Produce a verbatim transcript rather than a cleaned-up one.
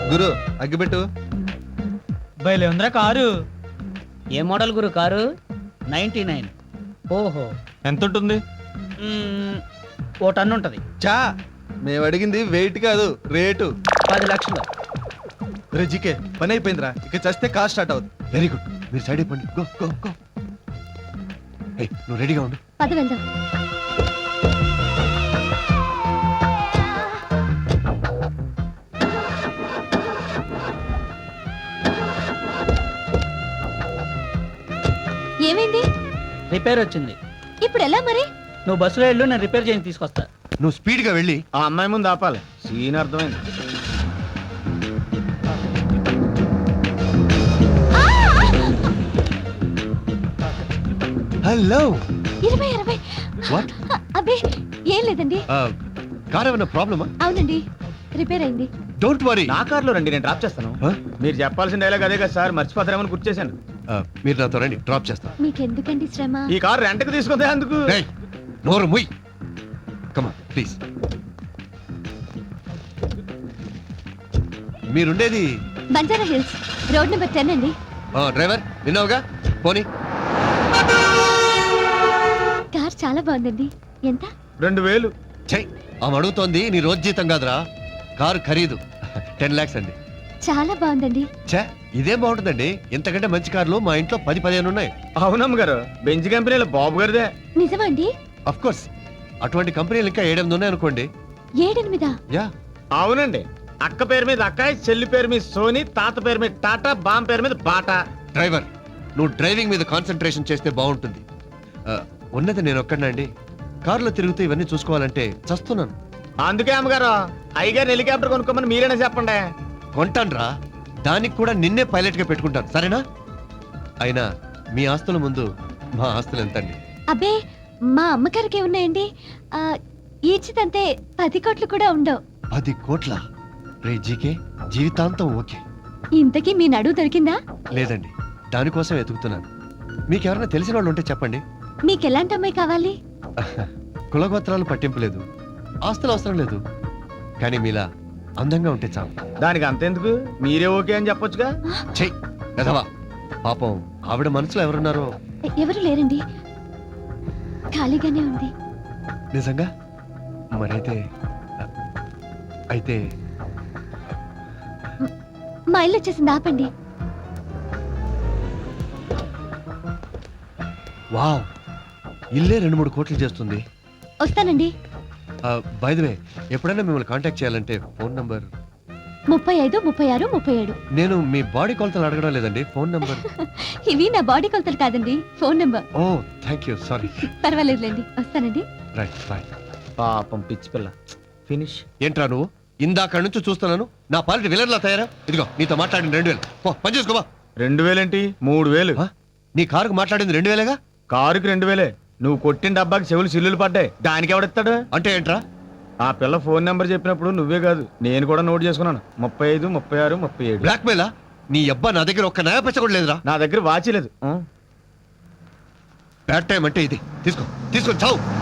గురు అగ్గిపెట్టు. బయలే ఉందిరా కారు. ఏ మోడల్ గురు కారు? Ninety nine. ఓహో, ఎంత ఉంటుంది? మ్మ్, ఓ టన్ను ఉంటుంది. చా మేము అడిగింది వెయిట్ కాదు రేటు. పది లక్షలు. రే జీకే పని అయిపోయిందిరా, ఇక చస్తే కార్ స్టార్ట్ అవుతుంది. వెరీ గుడ్, మీరు సైడ్ అయిపోండి. Go go go. ఏయ్, నువ్వు రెడీగా ఉండు. పద వెళ్దాం. ఏమైంది? రిపేర్ వచ్చింది. ఇప్పుడు ఎలా మరి? నువ్వు బస్సులో వెళ్ళు, నేను రిపేర్ చేసి తీసుకొస్తా. నువ్వు స్పీడ్గా వెళ్ళి ఆ అమ్మాయి ముందు ఆపాలి. సీన్ అర్థమైంది. హలో. ఇరవై ఇరవై వాట్? అబ్బే ఏం లేదండి. కార్ ఏమైనా ప్రాబ్లమా? అవునండి, రిపేర్ అయింది. Don't worry. నా కార్లో రండి, నేను డ్రాప్ చేస్తాను. మీరు చెప్పాల్సిన డైలాగ్ అదే కదా సార్, మర్చిపోతారేమని గుర్తు చేశాను. మీరు నాతో రండి, డ్రాప్ చేస్తాను. మీకెందుకండి శ్రమ? ఈ కార్ రెంట్కి తీసుకుంటే అందుకు. రేయ్, నోరు ముయ్. Come on please. మీరుండేది Banjara hills, road number ten అండి. డ్రైవర్ విన్నావుగా, పోనీ. కార్ చాలా బాగుందండి. ఎంత? రెండు వేలు. చెయ్, ఆమె అడుగుతోంది నీ రోజు జీతం కాదురా, కారు ఖరీదు టెన్ లాక్స్ అండి. చాలా బాగుందండి. ఛే, ఇదేం బాగుంటుందండి, ఇంతకంటే మంచి కార్లు మా ఇంట్లో పది పదిహేను ఉన్నాయి. అవునమ్మ గారు, బెంచ్ కంపెనీలో బాబు గారిదే. నిజమా అండి? అఫ్ కోర్స్, అటువంటి కంపెనీలు ఇంకా ఏడెనిమిది ఉన్నాయి అనుకోండి. ఏడెనిమిదా? యా. అవునండి, అక్క పేరు మీద అక్కాయ్, చెల్లి పేరు మీద సోని, తాత పేరు మీద టాటా, బామ్ పేరు మీద బాటా. డ్రైవర్, నువ్వు డ్రైవింగ్ మీద కాన్సన్ట్రేషన్ చేస్తే బాగుంటుంది. ఆ, ఉన్నది నేను ఒక్కడినండి, కారులో తిరుగుతూ ఇవన్నీ చూసుకోవాలంటే చస్తున్నాను. అందుకే అమ్మగారు అయ్యగారు హెలికాప్టర్ కొనుక్కోమని మీరేనా చెప్పండి. కొంటాన్రా, దానికి కూడా నిన్నే పైలట్ గా పెట్టుకుంటాను, సరేనా? అయినా మీ ఆస్తుల ముందు మా ఆస్తులు ఎంతండి? అబ్బే, మా అమ్మగారికి ఉన్నాయండి. ఆ, ఈచితంతే పది కోట్లు కూడా ఉండవు. పది కోట్ల? రే జీకే, జీవితాంతం ఓకే. ఇంతకీ మీ నడువు దొరికిందా? లేదండి, దానికోసం వెతుకుతున్నాను. మీకెవరైనా తెలిసిన వాళ్ళు ఉంటే చెప్పండి. మీకెలాంటి అమ్మాయి కావాలి? కులగోత్రాలు పట్టింపు లేదు, ఆస్తులు అవసరం లేదు, కానీ మీలా అందంగా ఉంటే చాలు. దానికి అంతెందుకు, మీరే ఓకే అని చెప్పొచ్చుగా. చెయ్ కదవా, పాపం ఆవిడ మనసులో ఎవరున్నారో. ఎ- ఎవరు లేరండి, ఖాళీగానే ఉంది. నిజంగా? మరైతే అయితే మా ఇల్లు వచ్చేసింది, ఆపండి. వావ్, ఇల్లే రెండు మూడు కోట్లు చేస్తుంది. వస్తానండి. బై ది వే, ఎప్పుడైనా మిమ్మల్ని కాంటాక్ట్ చేయాలంటే ఫోన్ నంబర్. ముప్పై ఐదు ముప్పై ఆరు ముప్పై ఏడు. నేను మీ బాడీ కొలతలు అడగడం లేదండి, ఫోన్ నంబర్. ఇవి నా బాడీ కొలతలు కాదండి, phone number. Oh thank you, sorry. పర్వాలేదులేండి, వస్తానండి. Right bye. పాపం పిచ్చి పిల్ల. ఫినిష్. ఏంట్రా నువ్వు, ఇందాక నుంచి చూస్తున్నాను నా పాలిటి విలన్లా తయారా. ఇదిగో నీతో మాట్లాడింది రెండు వేలు, పో పని చేసుకోవా. రెండు వేలేంటి, మూడు వేలు. ఆ? నీ కారుకు మాట్లాడింది రెండు వేలేగా? కారుకి రెండు వేలే. నువ్వు కొట్టిన డబ్బాకి చెవులు సిల్లులు పడ్డాయి, దానికి ఎవడెత్తాడు? అంటే ఏంట్రా? ఆ పిల్ల ఫోన్ నెంబర్ చెప్పినప్పుడు నువ్వే కాదు నేను కూడా నోట్ చేసుకున్నాను. ముప్పై ఐదు ముప్పై ఆరు ముప్పై ఏడు. బ్లాక్ మెయిలా? నీ అబ్బా నా దగ్గర ఒక్క నయా పైసా కూడా లేదురా. నా దగ్గర వాచి లేదు. బ్యాడ్ టైం అంటే ఇది, తీసుకో తీసుకొని చావు.